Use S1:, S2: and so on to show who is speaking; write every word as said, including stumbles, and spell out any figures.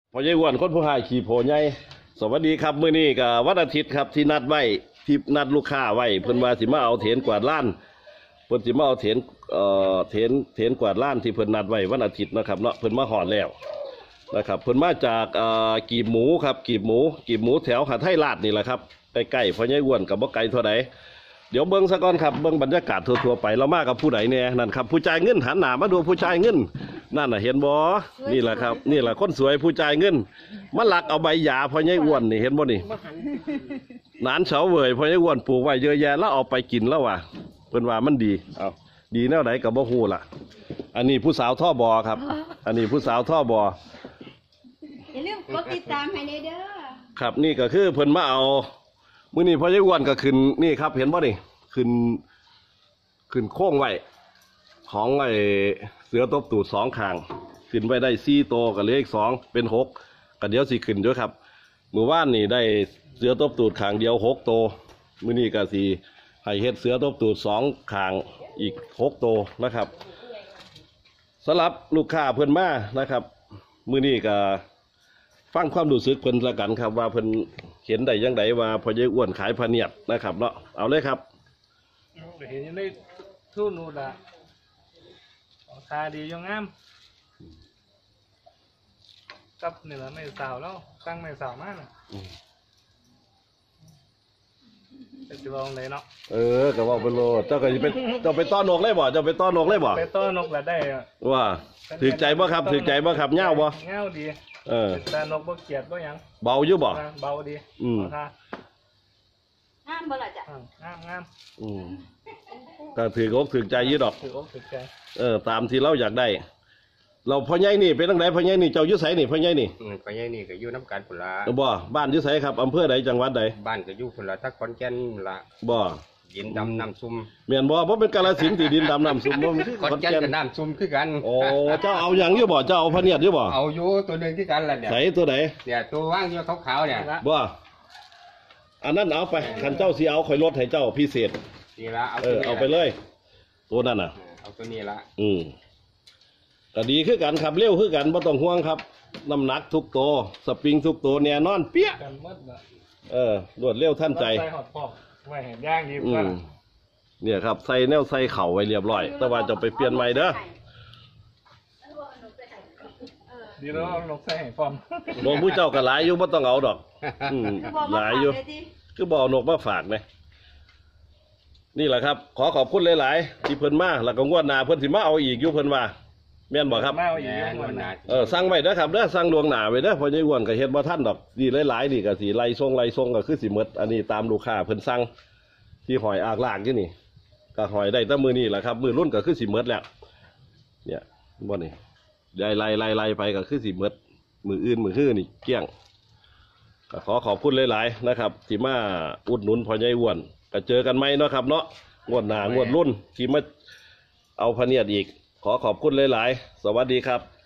S1: พอใหญ่อ้วนคนผู้หายขี่โพใหญ่สวัสดีครับมื้อนี้ก็วันอาทิตย์ครับที่นัดไว้ที่นัดลูกค้าไว้เพิ่นว่าสิมาเอาเถนกวาดล้านเพิ่นสิมาเอาเถนเอ่อเถนเถนกวาดล้านที่เพิ่นนัดไว้วันอาทิตย์นะครับเนาะเพิ่นมาหอดแล้วนะครับเพิ่นมาจากเอ่อกีบหมูครับกีบหมูกีบหมูแถวหาดไทยลาดนี่แหละครับใกล้ๆพอใหญ่อ้วนกับบ่ไกลเท่าใดเดี๋ยวเบิ้งซะก่อนครับเบิ้งบรรยากาศทั่วๆไปเรามากับผู้ใดเนี่ยนั่นครับผู้จ่ายเงินหันหน้ามาดูผู้จ่ายเงินนั่นน่ะเห็นบ่นี่แหละครับนี่แหละคนสวยผู้จ่ายเงินมาหลักเอาใบหญ้าพอใหญ่อ้วนนี่เห็นบ่นี่หนานเฉาเว่ยพอใหญ่อ้วนปลูกไว้เยอะแยะแล้วเอาไปกินแล้วว่ะเพิ่นว่ามันดีเอาดีแนวไหนก็บ่ฮู้ล่ะอันนี้ผู้สาวท่อบอครับอันนี้ผู้สาวท่อบอ
S2: อย่าลืมกดติดตามให้เด้อ
S1: ครับนี่ก็คือเพิ่นมาเอามื้อนี้พอใหญ่อ้วนก็ขึ้นนี่ครับเห็นบ่นี่ขึ้นขึ้นโค้งไว้ของไอ้เสือตบตูดสองข้างขึ้นไว้ได้สี่โตกับเลขสองเป็นหกก็เดี๋ยวสิขึ้นด้วยครับมื้อวานนี่ได้เสือตบตูดข้างเดียวหกโตมื้อนี้ก็สิให้เฮ็ดเสือตบตูดสองข้างอีกหกโตนะครับสำหรับลูกค้าเพิ่นมานะครับมื้อนี้ก็ฟังความรู้สึกเพิ่นละกันครับว่าเพิ่นเห็นได้ยังไงว่าพอใหญ่อ้วนขายพะเนียดนะครับเนาะเอาเลยครับ
S3: เห็นยังได้ทุ่นนูดอะทาดียังงามกับเหนือไม่สาวแล้วตั้งไม่สาวมากนะจะลองเลยเนาะ
S1: เออก็ว่าเป็นโลเจ้าก็จะเป็นเจ้าไปต้อนนกเลยบ่เจ้าไปต้อนนกเลยบ่
S3: ไปต้อนนกแล้วได้
S1: ว่าถือใจบ่ครับถือใจบ่ครับเงาบ่
S3: เงาดี
S1: เออ
S3: แต่นกบ่เกียดบ่ยัง
S1: เบาอยู่บ่
S3: เบาดี
S1: อืม
S2: งามบ่ล่ะจ้ะ
S3: งามงาม
S1: อืมก็ถือกถือใจยี่ดอก
S3: ถือกถือใจ
S1: เออตามที่เราอยากได้เราพ่อใหญ่นี่เป็นตั้งไหนพ่อใหญ่นี่เจ้ายุไสนี่พ่อใหญ่นี่
S4: พ่อใหญ่นี่ก็อยู่น้ำกันพุ่นละ
S1: บ่บ้านยุไสครับอำเภอใดจังหวัดใด
S4: บ้านก็อยู่พุ่นละทักขอนแก่นละ
S1: บ่
S4: ดินดำน้ำซุ่ม
S1: เมียนบ่เพราะเป็นกาฬสินธุ์ที่ดินดำน้ำซุ่มบ่
S4: ขอนแก่นกับน้ำซุ่มคือกัน
S1: โอ้เจ้าเอาอย่างอยู่บ่เจ้าเอาพะเนียดอยู่บ่
S4: เอาอยู่ตัวหนึ่งที่กันละเนี่ย
S1: ไหนตัวไหน
S4: เนี่ยตัวว่างอยู่ขาวๆเนี่ย
S1: บ่อันนั้นเอาไปคันเจ้าสิเอาข่อยลดให้เจ้าพิเศษ
S4: นี่ละเอา
S1: เออเอาไปเลยตัวนั้นน่ะ
S4: เอาตัวนี้ละ
S1: อืมก็ดีคือกันครับเร็วคือกันไม่ต้องห่วงครับน้ำหนักทุกตัวสปริงทุกตัวเนี่ยนอนเปี้ยเออรวดเร็วท่านใจ
S3: ใส่หอดปอกไว้เห็นย่างดีกว่า
S1: เนี่ยครับใส่แนวใส่เข่าไว้เรียบร้อยแต่ว่าจะไปเปลี่ยนใหม่เด้อ
S3: ดีแล้วเอาลงใส่ให้ฟอม
S1: นกผู้เจ้าก็หลายอยู่ไม่ต้องเอาดอกหลายอยู่คือบ่อนกมาฝากไหมนี่แหละครับขอขอบคุณหลายๆที่เพิ่นมาแล้วก็งวดหน้าเพิ่นสิมาเอาอีกอยู่เพิ่นว่าแม่นบอกครับเออสั่งไว้เด้อครับเด้อสั่งดวงหนาไว้เด้อพอใหญ่อ้วนก็เฮ็ดบ่ทันดอกดีหลายๆนี่ก็สิไล่ส่งไล่ส่งก็คือสิหมดอันนี้ตามลูกค้าเพิ่นสั่งที่หอยอากลากอยู่นี่ก็หอยได้แต่มื้อนี้แหละครับมื้อรุ่นก็คือสิหมดแล้วเนี่ยบ่นี่ได้ไล่ไล่ไล่ไปก็คือสิหมดมื้ออื่นมื้อฮื้อนี่เกลี้ยงก็ขอขอบคุณหลายๆนะครับที่มาอุดหนุนพอใหญ่อ้วนก็เจอกันไหมเนาะครับเนาะงวดหน้างวดรุ่นที่มาเอาพะเนียดอีกขอขอบคุณหลายๆสวัสดีครับ